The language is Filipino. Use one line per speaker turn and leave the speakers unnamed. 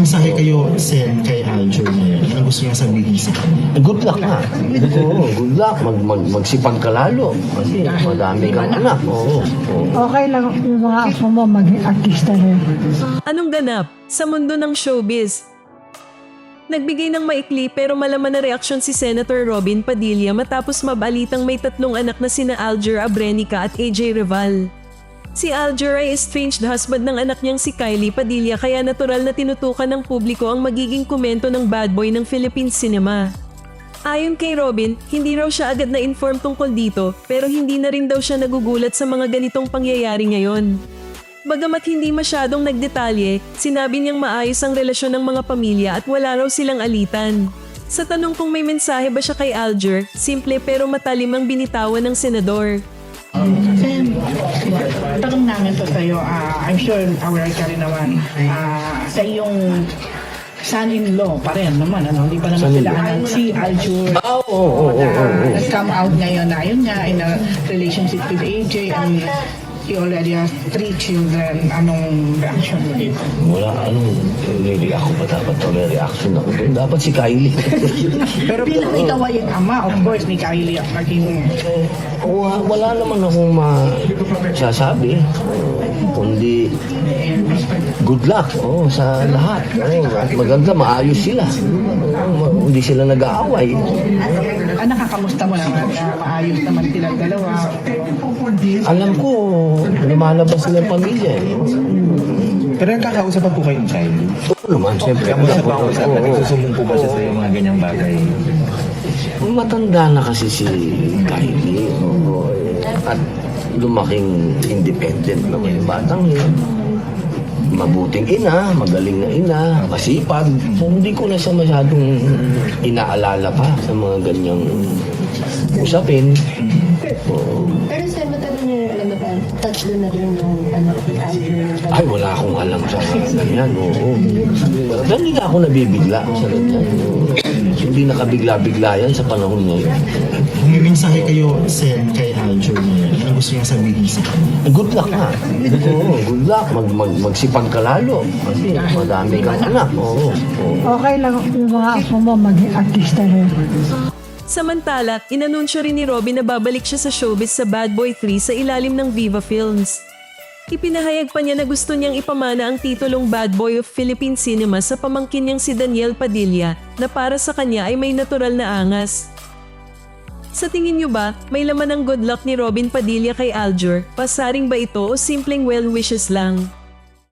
mensahe kayo, Sen, kay Aljur ngayon? Ano gusto niya sabihin sa kanya?
Good luck nga. Oo, good luck. Magsipag ka lalo. Kasi madami kang anak. Oo.
Okay lang yung mga apo mo maging artista rin.
Anong ganap sa mundo ng showbiz? Nagbigay ng maikli pero malaman na reaksyon si Senator Robin Padilla matapos mabalitang may 3 anak na sina Aljur Abrenica at AJ Reval. Si Aljur ay estranged husband ng anak niyang si Kylie Padilla kaya natural na tinutukan ng publiko ang magiging komento ng bad boy ng Philippine cinema. Ayon kay Robin, hindi raw siya agad na-inform tungkol dito pero hindi na rin daw siya nagugulat sa mga ganitong pangyayari ngayon. Bagamat hindi masyadong nagdetalye, sinabi niyang maayos ang relasyon ng mga pamilya at wala raw silang alitan. Sa tanong kung may mensahe ba siya kay Aljur, simple pero matalim ang binitawan ng senador.
Sen, tanong namin to sa'yo, I'm sure aware ka rin naman, sa iyong son-in-law pa rin naman, ano? Hindi pa naman sila anak si Aljur.
Oo.
Come out ngayon na yun nga in a relationship with AJ and he already has 3 children. Anong reaction mo dito?
Wala, ako pa dapat may reaction ako doon. Dapat si Kylie.
Pero bilang ikaw ay ang ama, of course, ni Kylie at naging...
Wala naman akong masasabi. Kundi good luck sa lahat. Maganda, maayos sila. Hindi sila nag-aaway.
Nakakamusta mo naman? Maayos naman silang dalawa.
Alam ko, lumalabas sila ng pamilya.
Pero nagkakausapan po kayo ng Kylie?
Oo naman, siyempre.
Kamusta pa ako sa nagsusumbong po ba siya sa mga ganyang bagay?
Matanda na kasi si Kylie. At lumaking independent naman yung batang yun. Mabuting ina, magaling na ina, masipag. So, hindi ko na siya masyadong inaalala pa sa mga ganyang usapin.
Pero sir, matagal niyo alam na ba? 3 na rin yung anak ni Aljur.
Ay, wala akong alam sa ganyan. Oo. Dahil hindi na ako nabibigla sa ganyan. Hindi nakabigla-bigla yan sa panahon ngayon.
Kung may mensahe kayo, Sen, kay Aljur ngayon? Ano gusto niya sabihin sa kanya?
Good luck nga. Oo, good luck. Magsipag ka lalo. Kasi madami kang anak. Oo.
Okay lang yung mga apo mo maging artista rin.
Samantala, inanunsyo rin ni Robin na babalik siya sa showbiz sa Bad Boy 3 sa ilalim ng Viva Films. Ipinahayag pa niya na gusto niyang ipamana ang titulong Bad Boy of Philippine Cinema sa pamangkin niyang si Daniel Padilla na para sa kanya ay may natural na angas. Sa tingin niyo ba, may laman ang good luck ni Robin Padilla kay Aljur? Pasaring ba ito o simpleng well wishes lang?